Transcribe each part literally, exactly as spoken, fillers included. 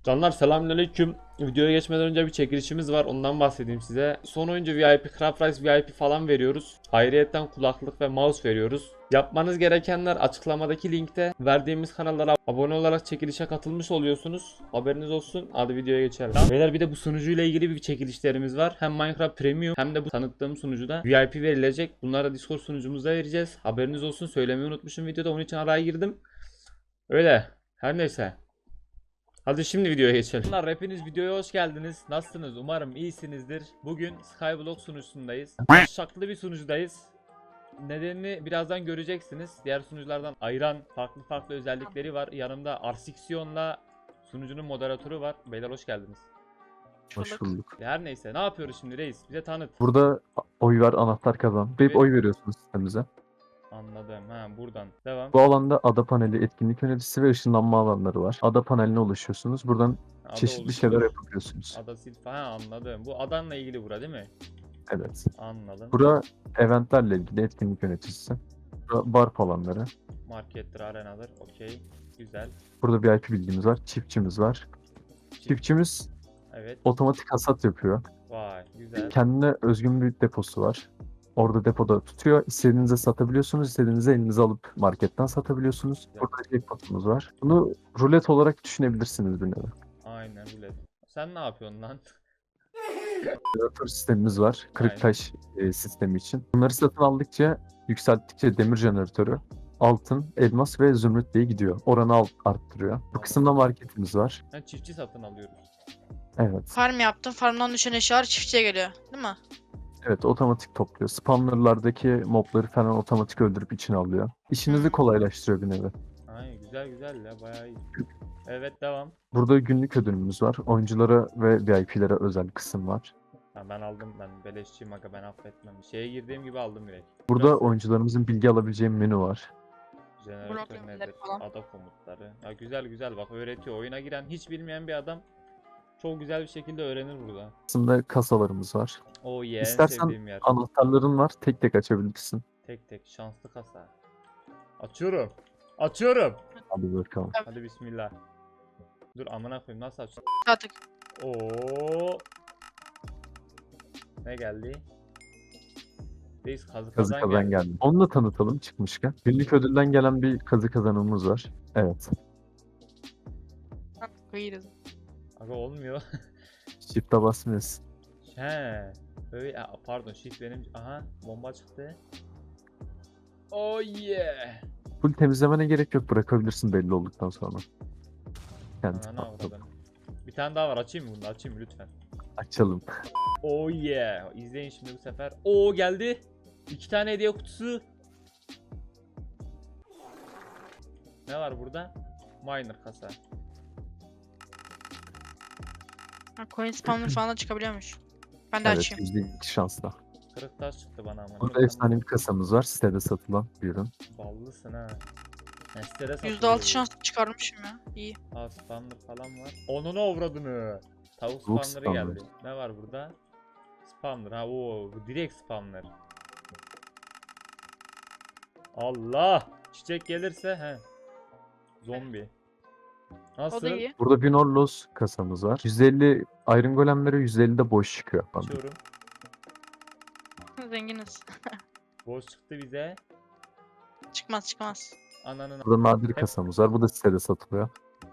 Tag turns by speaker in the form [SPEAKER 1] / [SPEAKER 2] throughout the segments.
[SPEAKER 1] Canlar selamünaleyküm. Videoya geçmeden önce bir çekilişimiz var. Ondan bahsedeyim size. Son oyuncu V I P, Craft Rice V I P falan veriyoruz. Ayrıyetten kulaklık ve mouse veriyoruz. Yapmanız gerekenler açıklamadaki linkte. Verdiğimiz kanallara abone olarak çekilişe katılmış oluyorsunuz. Haberiniz olsun. Hadi videoya geçelim. Beyler bir de bu sunucuyla ilgili bir çekilişlerimiz var. Hem Minecraft Premium hem de bu tanıttığım sunucuda V I P verilecek. Bunları Discord sunucumuzda vereceğiz. Haberiniz olsun. Söylemeyi unutmuşum videoda. Onun için araya girdim. Öyle. Her neyse. Hadi şimdi videoya geçelim. Bunlar hepiniz videoya hoş geldiniz. Nasılsınız? Umarım iyisinizdir. Bugün Skyblock sunucusundayız. Şaklı bir sunucudayız. Nedenini birazdan göreceksiniz. Diğer sunuculardan ayıran farklı farklı özellikleri var. Yanımda Arsiksiyon'la sunucunun moderatörü var. Beyler hoş geldiniz.
[SPEAKER 2] Hoş bulduk.
[SPEAKER 1] Her neyse ne yapıyoruz şimdi reis? Bize tanıt.
[SPEAKER 2] Burada oy ver, anahtar kazan. Hep oy veriyorsunuz sistemimize.
[SPEAKER 1] Anladım. Ha buradan. Devam.
[SPEAKER 2] Bu alanda ada paneli, etkinlik yöneticisi ve ışınlanma alanları var. Ada paneline ulaşıyorsunuz. Buradan
[SPEAKER 1] Ada
[SPEAKER 2] çeşitli
[SPEAKER 1] oluştur.
[SPEAKER 2] şeyler yapabiliyorsunuz.
[SPEAKER 1] Ada sil ha anladım. Bu adanla ilgili bura değil mi?
[SPEAKER 2] Evet.
[SPEAKER 1] Anladım.
[SPEAKER 2] Bura eventlerle ilgili etkinlik yöneticisi. Bura bar alanları.
[SPEAKER 1] Markettir, arenadır. Okey. Güzel.
[SPEAKER 2] Burada V I P bilgimiz var. Çiftçimiz var. Çiftçimiz
[SPEAKER 1] Evet.
[SPEAKER 2] otomatik hasat yapıyor.
[SPEAKER 1] Vay güzel.
[SPEAKER 2] Kendine özgün bir deposu var. Orada depoda tutuyor. İstediğinize satabiliyorsunuz. İstediğinizi elinize alıp marketten satabiliyorsunuz.
[SPEAKER 1] Güzel.
[SPEAKER 2] Burada jackpotumuz var. Bunu rulet olarak düşünebilirsiniz bir nevi.
[SPEAKER 1] Aynen öyle. Sen ne yapıyorsun lan?
[SPEAKER 2] Jeneratör sistemimiz var. Kırık
[SPEAKER 1] Aynen.
[SPEAKER 2] taş e, sistemi için. Bunları satın aldıkça, yükselttikçe demir jeneratörü altın, elmas ve zümrüt diye gidiyor. Oranı alt arttırıyor. Bu kısımda marketimiz var.
[SPEAKER 1] Ben çiftçi satın alıyoruz.
[SPEAKER 2] Evet.
[SPEAKER 3] Farm yaptım. Farmdan düşen eşyalar çiftçiye geliyor. Değil mi?
[SPEAKER 2] Evet, otomatik topluyor. Spawnerlardaki mobları falan otomatik öldürüp içine alıyor. İşinizi
[SPEAKER 3] Hmm.
[SPEAKER 2] kolaylaştırıyor bir nevi.
[SPEAKER 1] Ay güzel güzel ya bayağı iyi. Evet devam.
[SPEAKER 2] Burada günlük ödülümüz var. Oyunculara ve V I P'lere özel kısım var.
[SPEAKER 1] Ha, ben aldım ben beleşçiyim aga ben affetmem. Şeye girdiğim gibi aldım direkt.
[SPEAKER 2] Burada
[SPEAKER 1] Burası
[SPEAKER 2] oyuncularımızın bilgi alabileceği menü var.
[SPEAKER 1] jeneratör
[SPEAKER 3] Blok
[SPEAKER 1] nedir?
[SPEAKER 3] emirleri falan.
[SPEAKER 1] Ada komutları. Ya güzel güzel bak öğretiyor. Oyuna giren hiç bilmeyen bir adam çok güzel bir şekilde öğrenir burada.
[SPEAKER 2] Aslında kasalarımız var.
[SPEAKER 1] Oh yeah en
[SPEAKER 2] İstersen
[SPEAKER 1] sevdiğim yer.
[SPEAKER 2] anahtarların var. Tek tek açabilirsin.
[SPEAKER 1] Tek tek şanslı kasa. Açıyorum. Açıyorum.
[SPEAKER 2] Hadi bakalım.
[SPEAKER 1] Hadi bismillah. Dur amına koyayım nasıl aç?
[SPEAKER 3] Artık.
[SPEAKER 1] Oo. Ne geldi? Reis kazı
[SPEAKER 2] Kazı
[SPEAKER 1] kazan
[SPEAKER 2] kazan
[SPEAKER 1] geldi.
[SPEAKER 2] geldi. Onu da tanıtalım çıkmışken. Günlük ödülden gelen bir kazı kazanımız var. Evet.
[SPEAKER 3] Kıyırız.
[SPEAKER 1] Aga olmuyor.
[SPEAKER 2] Shift'e basmıyorsun.
[SPEAKER 1] He. Öyle Aa, pardon shift benim. Aha bomba çıktı. Oh yeah.
[SPEAKER 2] Full temizlemene gerek yok. Bırakabilirsin belli olduktan sonra. Kendi
[SPEAKER 1] Ananı
[SPEAKER 2] patladı.
[SPEAKER 1] avradım. Bir tane daha var açayım mı bunu? Açayım mı lütfen?
[SPEAKER 2] Açalım.
[SPEAKER 1] Oh yeah. İzleyin şimdi bu sefer. Oo geldi. İki tane hediye kutusu. Ne var burada? Miner kasa.
[SPEAKER 3] Ha, coin spawner falan da çıkabiliyormuş. Ben de
[SPEAKER 2] Evet,
[SPEAKER 3] açayım.
[SPEAKER 2] yüzde iki şansla.
[SPEAKER 1] Kırık taş çıktı bana ama.
[SPEAKER 2] Burada efsane bir kasamız var. Sitede satılan bir ürün.
[SPEAKER 1] Ballısın ha. Ha, sitede satılıyor
[SPEAKER 3] yüzde altı
[SPEAKER 1] bu.
[SPEAKER 3] şans çıkarmışım ya. İyi.
[SPEAKER 1] Aa spawner falan var. Onunu avradını. Tavuk
[SPEAKER 2] Tavuk
[SPEAKER 1] spawner'ı
[SPEAKER 2] spawner.
[SPEAKER 1] geldi. Ne var burada? Spawner ha o bu direkt spawner. Allah! Çiçek gelirse he. Zombi. Nasıl?
[SPEAKER 3] O da iyi.
[SPEAKER 2] Burada bir Norlos kasamız var. yüz elli Iron Golem'lere yüz elli de boş çıkıyor.
[SPEAKER 1] Açıyorum.
[SPEAKER 3] Zenginiz.
[SPEAKER 1] Boş çıktı bize.
[SPEAKER 3] Çıkmaz çıkmaz.
[SPEAKER 1] Ananın
[SPEAKER 2] Burada nadir kasamız var. Bu da sitede satılıyor.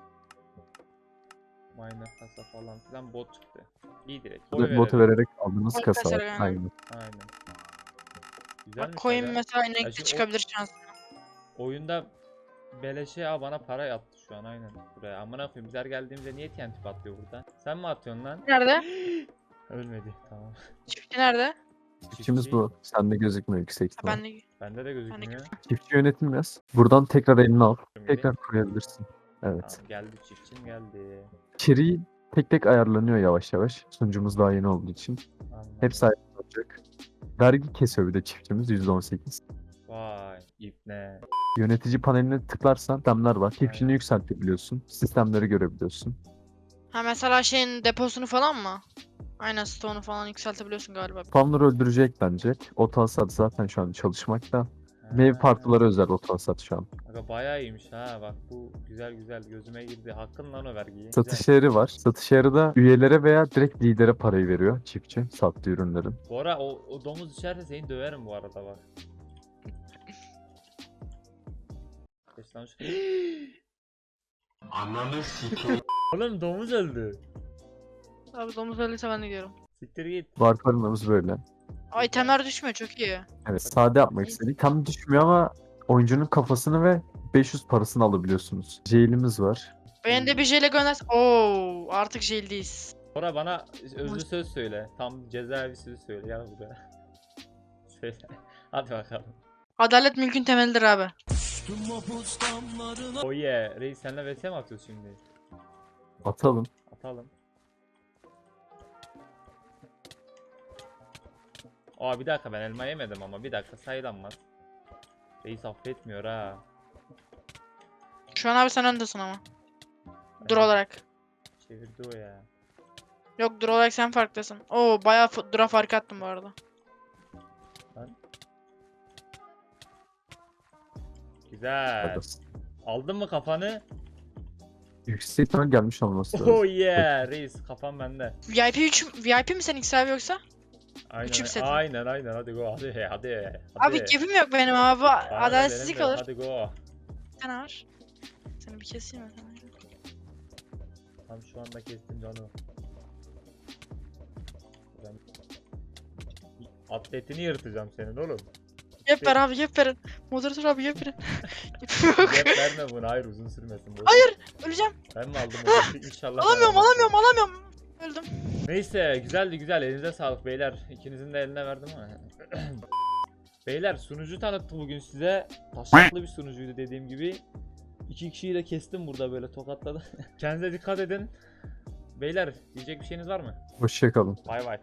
[SPEAKER 1] miner kasa falan filan bot çıktı. İyi direkt.
[SPEAKER 2] Burada
[SPEAKER 1] Oy
[SPEAKER 2] botu
[SPEAKER 1] verelim.
[SPEAKER 2] vererek aldığınız
[SPEAKER 3] Oy
[SPEAKER 2] kasa var.
[SPEAKER 3] kasarak, aynen.
[SPEAKER 2] Aynen.
[SPEAKER 1] Aynen. Güzelmiş
[SPEAKER 3] Bak coin
[SPEAKER 1] aga.
[SPEAKER 3] mesela
[SPEAKER 1] Ya
[SPEAKER 3] renkli
[SPEAKER 1] şu o-
[SPEAKER 3] çıkabilir şans.
[SPEAKER 1] Oyunda beleşe ya bana para yattı şu an aynen buraya. Amına koyayım biz her geldiğimizde niye T N T patlıyor burada? Sen mi atıyorsun lan?
[SPEAKER 3] Nerede?
[SPEAKER 1] Ölmedi tamam.
[SPEAKER 3] Çiftçi nerede?
[SPEAKER 2] Çiftçimiz bu. Sende gözükmüyor yüksek
[SPEAKER 3] Ha,
[SPEAKER 2] ihtimal.
[SPEAKER 3] ben de.
[SPEAKER 1] Bende de gözükmüyor.
[SPEAKER 2] Çiftçi yönetim yaz. Buradan tekrar elini al.
[SPEAKER 1] Şimdi-
[SPEAKER 2] Tekrar koyabilirsin. Evet.
[SPEAKER 1] Tamam, geldi çiftçim geldi.
[SPEAKER 2] İçeriği tek tek ayarlanıyor yavaş yavaş. Sunucumuz daha yeni olduğu için.
[SPEAKER 1] Anladım.
[SPEAKER 2] Hepsi ayarlanacak. Vergi kesiyor bir de çiftçimiz yüzde on sekiz.
[SPEAKER 1] Vay ipne.
[SPEAKER 2] Yönetici paneline tıklarsan sistemler var. Çiftçini
[SPEAKER 1] Aynen.
[SPEAKER 2] yükseltebiliyorsun. Sistemleri görebiliyorsun.
[SPEAKER 3] Ha mesela şeyin deposunu falan mı? Aynen stone'u falan yükseltebiliyorsun galiba.
[SPEAKER 2] Spawner öldürücü eklenecek. Oto hasat zaten şu an çalışmakta. Meyve partıları özel otomasat şu an.
[SPEAKER 1] Aga bayağı iyiymiş ha, bak bu güzel güzel gözüme girdi. Hakkın lan o vergiyi.
[SPEAKER 2] Satış
[SPEAKER 1] Güzel.
[SPEAKER 2] yeri var. Satış yeri de üyelere veya direkt lidere parayı veriyor çiftçi sattığı ürünlerin.
[SPEAKER 1] Bu ara o, o domuz içeride seni döverim bu arada bak. Geç lan şu-
[SPEAKER 4] Ananı sikeyim.
[SPEAKER 1] Oğlum domuz öldü.
[SPEAKER 3] Abi domuz öyleyse ben de gidiyorum.
[SPEAKER 1] Siktir git.
[SPEAKER 2] Var paramız böyle.
[SPEAKER 3] Ay itemler düşmüyor çok iyi.
[SPEAKER 2] Evet, sade yapmak istedik. Tam düşmüyor ama oyuncunun kafasını ve beş yüz parasını alabiliyorsunuz. Jail'imiz var.
[SPEAKER 3] Beni de bir jele gönder. Oo artık jeldeyiz.
[SPEAKER 1] Bora bana özlü söz söyle. Tam cezaevi sözü söyle. Gel buraya. Söyle. Hadi bakalım.
[SPEAKER 3] Adalet mülkün temelidir abi.
[SPEAKER 1] Oh yeah. Reis senle vs mi atıyoruz şimdi?
[SPEAKER 2] Atalım.
[SPEAKER 1] Atalım. Aa bir dakika, ben elma yemedim ama bir dakika sayılanmaz. Reis affetmiyor ha.
[SPEAKER 3] Şu an abi sen öndesin ama. Dur
[SPEAKER 1] Evet,
[SPEAKER 3] olarak.
[SPEAKER 1] çevirdi o ya.
[SPEAKER 3] Yok dur olarak sen farklısın. Oo bayağı f- dura fark attım bu arada.
[SPEAKER 1] Güzel.
[SPEAKER 2] Parası.
[SPEAKER 1] Aldın mı kafanı?
[SPEAKER 2] Yüksek ihtimal gelmiş olması lazım.
[SPEAKER 1] Oh yeah. Reis kafam bende.
[SPEAKER 3] V I P üç V I P mi senin X abi yoksa?
[SPEAKER 1] Aynen
[SPEAKER 3] Üçüm setim.
[SPEAKER 1] aynen aynen hadi go hadi hadi.
[SPEAKER 3] Abi
[SPEAKER 1] hadi.
[SPEAKER 3] kefim yok benim abi.
[SPEAKER 1] Bana da
[SPEAKER 3] Adaletsizlik
[SPEAKER 1] benim de,
[SPEAKER 3] olur.
[SPEAKER 1] Hadi go.
[SPEAKER 3] Bir tane var. Seni bir keseyim mi?
[SPEAKER 1] Tam şu anda kestim canı. Ben... Atletini yırtacağım senin oğlum.
[SPEAKER 3] Yep ver abi yep verin. Moderatör abi yep verin. Yep yok.
[SPEAKER 1] Yap verme bunu, hayır uzun sürmesin. Bu.
[SPEAKER 3] Hayır öleceğim.
[SPEAKER 1] Ben mi aldım onu? İnşallah. ben
[SPEAKER 3] Alamıyorum
[SPEAKER 1] almam.
[SPEAKER 3] alamıyorum alamıyorum. Öldüm.
[SPEAKER 1] Neyse güzeldi güzel, elinize sağlık beyler. İkinizin de eline verdim ama. Beyler sunucu tanıttık bugün size. Taşaklı bir sunucuydu dediğim gibi. İki kişiyi de kestim burada böyle tokatladı. Kendinize dikkat edin. Beyler diyecek bir şeyiniz var mı?
[SPEAKER 2] Hoşçakalın.
[SPEAKER 1] Bay bay.